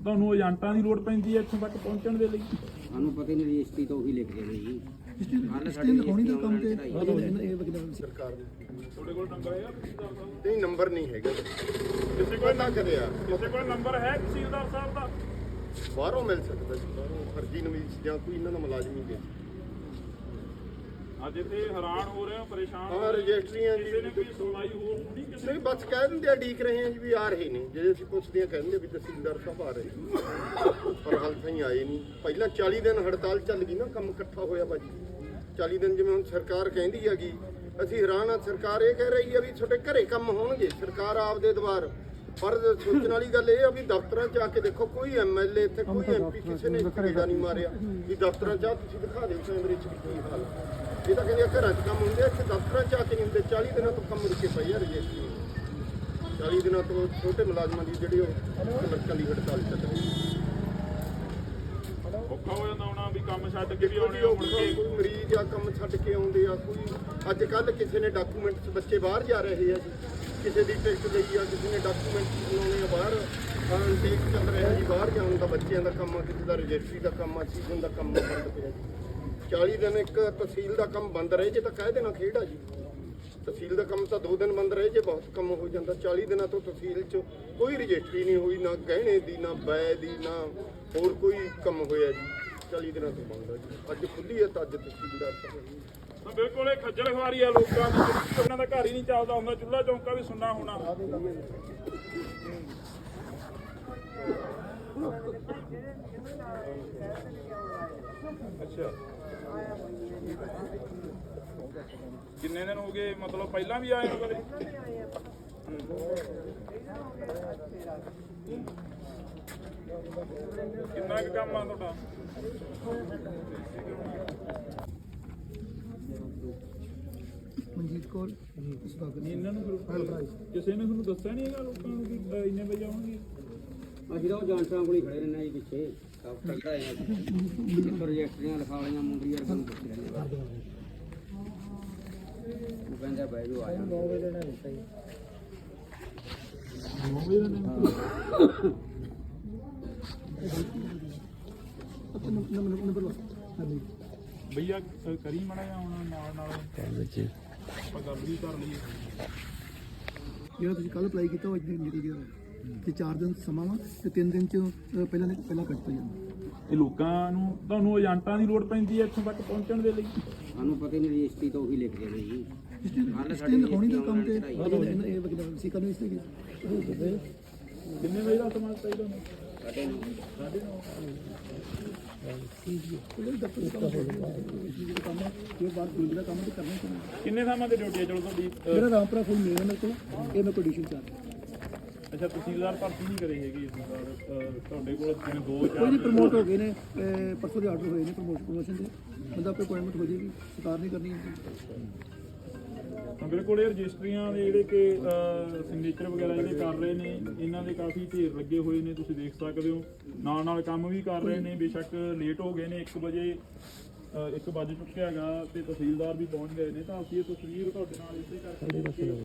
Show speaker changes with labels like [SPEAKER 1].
[SPEAKER 1] ਤੁਹਾਨੂੰ ਏਜੰਟਾਂ ਦੀ ਲੋੜ ਪੈਂਦੀ ਹੈ ਇੱਥੋਂ ਤੱਕ ਪਹੁੰਚਣ ਦੇ ਲਈ?
[SPEAKER 2] ਸਾਨੂੰ ਪਤਾ ਹੀ ਨਹੀਂ ਰਜਿਸਟਰੀ ਤਾਂ ਉਹੀ ਲਿਖਦੇ ਨੇ ਜੀ।
[SPEAKER 3] ਰਜਿਸਟਰੀ ਲਿਖਾਉਣੀ ਦਾ ਕੰਮ ਤੇ
[SPEAKER 4] ਸਰਕਾਰ ਦੇ
[SPEAKER 1] ਤੁਹਾਡੇ ਕੋਲ ਨੰਬਰ ਹੈ
[SPEAKER 4] ਨਹੀਂ, ਨੰਬਰ ਨਹੀਂ ਹੈਗਾ
[SPEAKER 1] ਕਿਸੇ ਕੋਲ
[SPEAKER 4] ਨਾ ਕਰਿਆ।
[SPEAKER 1] ਕਿਸੇ ਕੋਲ ਨੰਬਰ ਹੈ ਤਹਿਸੀਲਦਾਰ ਸਾਹਿਬ ਦਾ?
[SPEAKER 4] ਬਾਹਰੋਂ ਮਿਲ ਸਕਦਾ ਜੀ, ਬਾਹਰੋਂ ਫਰਜ਼ੀ ਨਵੀਸ ਜਾਂ ਕੋਈ ਇਹਨਾਂ ਦਾ ਮੁਲਾਜ਼ਮ ਹੀ ਦੇ।
[SPEAKER 1] ਅੱਜ ਇੱਥੇ ਹੈਰਾਨ ਹੋ ਰਹੇ ਹੋ, ਪਰੇਸ਼ਾਨ
[SPEAKER 4] ਹਾਂ, ਰਜਿਸਟਰੀਆਂ ਜੀ
[SPEAKER 1] ਕਿਸੇ ਨੇ ਕੋਈ ਸੁਣਵਾਈ ਹੋਰ ਥੋੜੀ ਕਿਸੇ
[SPEAKER 4] ਨਹੀਂ, ਬਸ ਕਹਿ ਦਿੰਦੇ ਆ ਡੀਕ ਰਹੇ ਆ ਜੀ ਵੀ ਆ ਰਹੇ ਨੇ। ਜਿਹੜੇ ਅਸੀਂ ਪੁੱਛਦੇ ਆ ਕਹਿੰਦੇ ਵੀ ਤਹਿਸੀਲਦਾਰ ਸਾਹਿਬ ਆ ਰਹੇ, ਪਰ ਹਾਲ ਤਾਈਂ ਆਏ ਨਹੀਂ। ਪਹਿਲਾਂ 40 ਦਿਨ ਹੜਤਾਲ ਚੱਲ ਗਈ ਨਾ, ਕੰਮ ਇਕੱਠਾ ਹੋਇਆ ਬਾਜੀ 40 ਦਿਨ। ਜਿਵੇਂ ਹੁਣ ਸਰਕਾਰ ਕਹਿੰਦੀ ਹੈਗੀ, ਅਸੀਂ ਹੈਰਾਨ ਆ। ਸਰਕਾਰ ਇਹ ਕਹਿ ਰਹੀ ਆ ਵੀ ਤੁਹਾਡੇ ਘਰੇ ਕੰਮ ਹੋਣਗੇ, ਸਰਕਾਰ ਆਪਦੇ ਦੁਆਰ। ਪਰ ਸੋਚਣ ਵਾਲੀ ਗੱਲ ਇਹ ਆ ਵੀ ਦਫ਼ਤਰਾਂ 'ਚ ਆ ਕੇ ਦੇਖੋ, ਕੋਈ ਐਮਐਲਏ ਇੱਥੇ ਕੋਈ ਐਮਪੀ ਕਿਸੇ ਨੇ ਕੀੜਾ ਨਹੀਂ ਮਾਰਿਆ ਵੀ ਦਫ਼ਤਰਾਂ 'ਚ ਆ ਤੁਸੀਂ ਦਿਖਾ ਦਿਓ ਕੈਮਰੇ 'ਚ ਵੀ ਕੀ ਹਾਲ। ਇਹ ਤਾਂ ਕਹਿੰਦੇ ਘਰਾਂ 'ਚ ਕੰਮ ਹੁੰਦੇ, ਇੱਥੇ ਦਫ਼ਤਰਾਂ 'ਚ ਆ ਕੇ ਨਹੀਂ ਹੁੰਦੇ। 40 ਦਿਨਾਂ ਤੋਂ ਕੰਮ ਰੁਕੇ ਪਈ ਆ ਰਜਿਸਟਰੀ। 40 ਦਿਨਾਂ ਤੋਂ ਛੋਟੇ ਮੁਲਾਜ਼ਮਾਂ ਦੀ ਜਿਹੜੀ ਉਹ ਕਲਰਕਾਂ ਦੀ ਹੜਤਾਲ ਚੱਲ ਰਹੀ ਹੈ।
[SPEAKER 1] ਔਖਾ ਹੋ ਜਾਂਦਾ ਹੋਣਾ ਵੀ ਕੰਮ ਛੱਡ ਕੇ ਵੀ ਆਉਣੇ
[SPEAKER 4] ਕੋਈ ਮਰੀਜ਼ ਆ ਕੰਮ ਛੱਡ ਕੇ ਆਉਂਦੇ ਆ। ਕੋਈ ਅੱਜ ਕੱਲ੍ਹ ਕਿਸੇ ਨੇ ਡਾਕੂਮੈਂਟਸ, ਬੱਚੇ ਬਾਹਰ ਜਾ ਰਹੇ ਆ ਜੀ, ਕਿਸੇ ਦੀ ਟਿਕਟ ਲਈ ਆ, ਕਿਸੇ ਨੇ ਡਾਕੂਮੈਂਟਸ ਬਣਾਉਣੇ ਆ ਬਾਹਰ। ਟੇਕ ਚੱਲ ਰਿਹਾ ਜੀ, ਬਾਹਰ ਜਾਣ ਦਾ ਬੱਚਿਆਂ ਦਾ ਕੰਮ ਆ, ਕਿਸੇ ਦਾ ਰਜਿਸਟਰੀ ਦਾ ਕੰਮ ਆ, ਸੀਜ਼ਨ ਦਾ ਕੰਮ ਬੰਦ ਪਿਆ ਜੀ। 40 ਦਿਨ ਇੱਕ ਤਹਿਸੀਲ ਦਾ ਕੰਮ ਬੰਦ ਰਹੇ ਜੇ ਤਾਂ ਕਹਿ ਦੇਣਾ ਖੇਡ ਆ ਜੀ। ਤਹਿਸੀਲ ਦਾ ਕੰਮ ਤਾਂ 2 ਦਿਨ ਬੰਦ ਰਹੇ ਜੇ ਬਹੁਤ ਕੰਮ ਹੋ ਜਾਂਦਾ। 40 ਦਿਨਾਂ ਤੋਂ ਤਹਿਸੀਲ 'ਚ ਕੋਈ ਰਜਿਸਟਰੀ ਨਹੀਂ ਹੋਈ, ਨਾ ਗਹਿਣੇ ਦੀ, ਨਾ ਬੈ ਦੀ, ਨਾ ਹੋਰ ਕੋਈ ਕੰਮ ਹੋਇਆ ਜੀ। 40 ਦਿਨਾਂ ਤੋਂ ਬੰਦ ਆ ਜੀ। ਅੱਜ ਖੁੱਲੀ ਹੈ ਤਾਂ ਅੱਜ ਤਹਿਸੀਲਦਾਰ ਸਾਹਿਬ
[SPEAKER 1] ਤਾਂ ਬਿਲਕੁਲ ਇਹ ਖੱਜਲ ਖਵਾਰੀ ਆ ਲੋਕਾਂ ਦੀ। ਉਹਨਾਂ ਦਾ ਘਰ ਹੀ ਨਹੀਂ ਚੱਲਦਾ ਹੁੰਦਾ, ਚੁੱਲ੍ਹਾ ਚੌਂਕਾ ਵੀ ਸੁੰਨਾ ਹੋਣਾ। ਅੱਛਾ, ਕਿੰਨੇ ਦਿਨ ਹੋ ਗਏ? ਮਤਲਬ ਪਹਿਲਾਂ ਵੀ ਆਏ ਹੋ ਕਦੇ? ਕਿੰਨਾ ਕੁ ਕੰਮ ਆ ਤੁਹਾਡਾ?
[SPEAKER 3] ਮਨਜੀਤ ਕੌਰ
[SPEAKER 1] ਨਹੀਂ, ਇਹਨਾਂ ਨੂੰ ਕਿਸੇ ਨੇ ਤੁਹਾਨੂੰ ਦੱਸਿਆ ਨਹੀਂ ਹੈਗਾ ਲੋਕਾਂ ਨੂੰ ਵੀ ਇੰਨੇ ਵਜੇ ਆਉਣਗੇ?
[SPEAKER 2] ਅਸੀਂ ਤਾਂ ਉਹ ਏਜੰਟਾਂ ਕੋਲ ਹੀ ਖੜੇ ਰਹਿੰਦੇ ਆ ਜੀ ਪਿੱਛੇ। ਸਭ ਟੱਕਦਾ ਹੈ ਜੀ, ਰਜਿਸਟਰੀਆਂ ਲਿਖਾ ਵਾਲੀਆਂ ਮੁੰਡਰੀਆਂ ਸਾਨੂੰ ਪੁੱਛ ਲੈਂਦੇ ਆ। ਉਹ ਕਹਿੰਦਾ ਬਹਿ ਜਾਓ ਆ ਜਾਓ। 9 ਵਜੇ ਦਾ ਦਿੱਤਾ ਜੀ।
[SPEAKER 1] 9 ਵਜੇ ਦਾ
[SPEAKER 3] ਨੰਬਰ ਲਓ
[SPEAKER 1] ਭਈਆ, ਕਰੀ ਮਾੜਾ ਜਿਹਾ ਹੁਣ ਨਾਲ ਆਪਾਂ ਗੱਲ ਵੀ ਕਰ ਲਈਏ।
[SPEAKER 3] ਜਿਹੜਾ ਤੁਸੀਂ ਕੱਲ ਅਪਲਾਈ ਕੀਤਾ ਉਹ ਅੱਜ ਨਿਕਲ ਗਿਆ ਤੇ 4 ਦਿਨ ਸਮਾਂ ਵਾ ਤੇ 3 ਦਿਨ 'ਚ ਪਹਿਲਾਂ ਕੱਟ ਹੋ ਜਾਂਦਾ।
[SPEAKER 1] ਇਹ ਲੋਕਾਂ ਨੂੰ, ਤੁਹਾਨੂੰ ਏਜੰਟਾਂ ਦੀ ਲੋੜ ਪੈਂਦੀ ਹੈ ਇੱਥੋਂ ਤੱਕ ਪਹੁੰਚਣ ਦੇ ਲਈ?
[SPEAKER 2] ਸਾਨੂੰ ਪਤਾ ਹੀ ਨਹੀਂ ਰਜਿਸਟਰੀ ਤਾਂ ਉਹੀ ਲਿਖਦੇ ਨੇ ਜੀ।
[SPEAKER 3] ਰਜਿਸਟਰੀ ਲਿਖਾਉਣੀ ਦਾ ਕੰਮ ਤੇ ਇਹ ਵਕੀਲ ਸੀ ਕਰਨੀ ਸੀ।
[SPEAKER 1] ਕਿੰਨੇ ਵਜੇ ਦਾ ਸਮਾਂ ਚਾਹੀਦਾ?
[SPEAKER 2] 9:30।
[SPEAKER 1] ਕਿੰਨੇ ਥਾਵਾਂ ਤੇ ਡਿਊਟੀ ਹੈ? ਚਲੋ ਤੁਹਾਡੀ
[SPEAKER 3] ਮੇਰਾ ਰਾਮਪੁਰਾ ਫੁੱਲ ਮੇਨ ਮੇਰੇ ਕੋਲ, ਇਹ ਮੈਂ ਪੋਜੀਸ਼ਨ 'ਚ ਆ।
[SPEAKER 1] ਅੱਛਾ, ਤਹਿਸੀਲਦਾਰ ਭਰਤੀ ਨਹੀਂ ਕਰੀ ਹੈਗੀ ਇਸ ਵਾਰ? ਤੁਹਾਡੇ ਕੋਲ ਜਿਵੇਂ 2-4
[SPEAKER 3] ਕੋਈ ਨਹੀਂ ਪ੍ਰਮੋਟ ਹੋ ਗਏ ਨੇ, ਪਰਸੋਂ ਦੇ ਆਰਡਰ ਹੋਏ ਨੇ ਪ੍ਰਮੋਸ਼ਨ ਦੇ। ਬੰਦਾ ਕੋਈ ਅਪਾਇੰਟਮੈਂਟ ਹੋ ਜਾਏਗੀ, ਸਰਕਾਰ ਨਹੀਂ ਕਰਨੀ
[SPEAKER 1] ਤਾਂ ਬਿਲਕੁਲ ਇਹ ਰਜਿਸਟਰੀਆਂ ਦੇ ਜਿਹੜੇ ਕਿ ਸਿਗਨੇਚਰ ਵਗੈਰਾ ਜਿਹੜੇ ਕਰ ਰਹੇ ਨੇ, ਇਹਨਾਂ ਦੇ ਕਾਫੀ ਢੇਰ ਲੱਗੇ ਹੋਏ ਨੇ, ਤੁਸੀਂ ਦੇਖ ਸਕਦੇ ਹੋ। ਨਾਲ ਨਾਲ ਕੰਮ ਵੀ ਕਰ ਰਹੇ ਨੇ। ਬੇਸ਼ੱਕ ਲੇਟ ਹੋ ਗਏ ਨੇ, 1 ਵਜੇ 1 ਵੱਜ ਚੁੱਕਿਆ ਹੈਗਾ ਤੇ ਤਹਿਸੀਲਦਾਰ ਵੀ ਪਹੁੰਚ ਗਏ ਨੇ। ਤਾਂ ਅਸੀਂ ਇਹ ਤਸਵੀਰ ਤੁਹਾਡੇ ਨਾਲ ਇਸੇ ਕਰਕੇ